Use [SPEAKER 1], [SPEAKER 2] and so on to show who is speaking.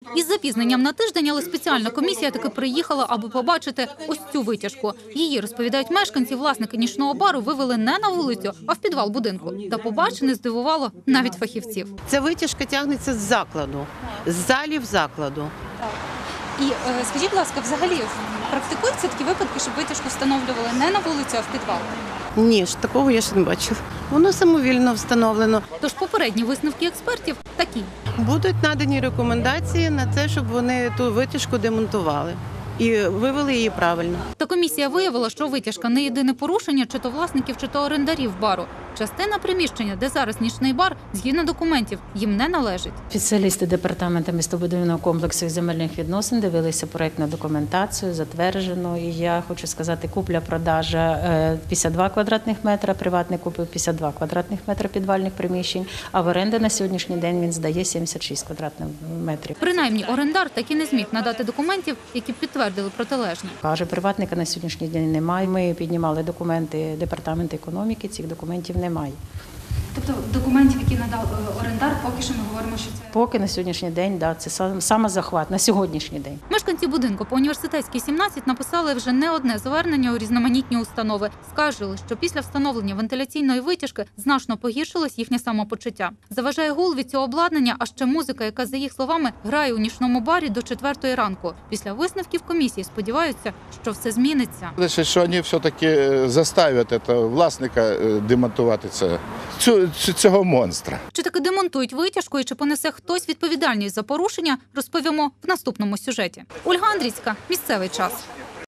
[SPEAKER 1] Із запізненням на тиждень, але спеціальна комісія таки приїхала, аби побачити ось цю витяжку. Її, розповідають мешканці, власники нічного бару вивели не на вулицю, а в підвал будинку. Та побачене здивувало навіть фахівців.
[SPEAKER 2] Ця витяжка тягнеться з закладу, з залів закладу.
[SPEAKER 3] І скажіть, будь ласка, взагалі практикуються такі випадки, щоб витяжку встановлювали не на вулицю, а в підвал?
[SPEAKER 2] Ні, такого я ще не бачила. Воно самовільно встановлено.
[SPEAKER 1] Тож попередні висновки експертів такі.
[SPEAKER 2] Будуть надані рекомендації на це, щоб вони ту витяжку демонтували і вивели її правильно.
[SPEAKER 1] Та комісія виявила, що витяжка не єдине порушення чи то власників, чи то орендарів бару. Частина приміщення, де зараз нічний бар, згідно документів, їм не належить.
[SPEAKER 4] Спеціалісти департаменту містобудівного комплексу і земельних відносин дивилися проєктну документацію, затверджену. І я хочу сказати, купля-продажа 52 квадратних метра, приватний купив 52 квадратних метра підвальних приміщень, а в оренду на сьогоднішній день він здає 76 квадратних метрів.
[SPEAKER 1] Принаймні, орендар так і не зміг надати документів, які підтвердили протилежне.
[SPEAKER 4] Каже, приватника на сьогоднішній день немає. Ми піднімали документи департаменту економіки, цих документів немає.
[SPEAKER 3] Тобто документів, які надав орендар, поки що ми говоримо, що це...
[SPEAKER 4] Поки на сьогоднішній день, да, це самозахват, на сьогоднішній день.
[SPEAKER 1] Мешканці будинку по Університетській, 17 написали вже не одне звернення у різноманітні установи. Скаржили, що після встановлення вентиляційної витяжки значно погіршилось їхнє самопочуття. Заважає гул від цього обладнання, а ще музика, яка, за їх словами, грає у нічному барі до 4 ранку. Після висновків комісії сподіваються, що все зміниться.
[SPEAKER 5] Що вони все-таки заставлять власника демонтувати цього монстра.
[SPEAKER 1] Чи таки демонтують витяжку і чи понесе хтось відповідальність за порушення, розповімо в наступному сюжеті. Ольга Андрійська, місцевий час.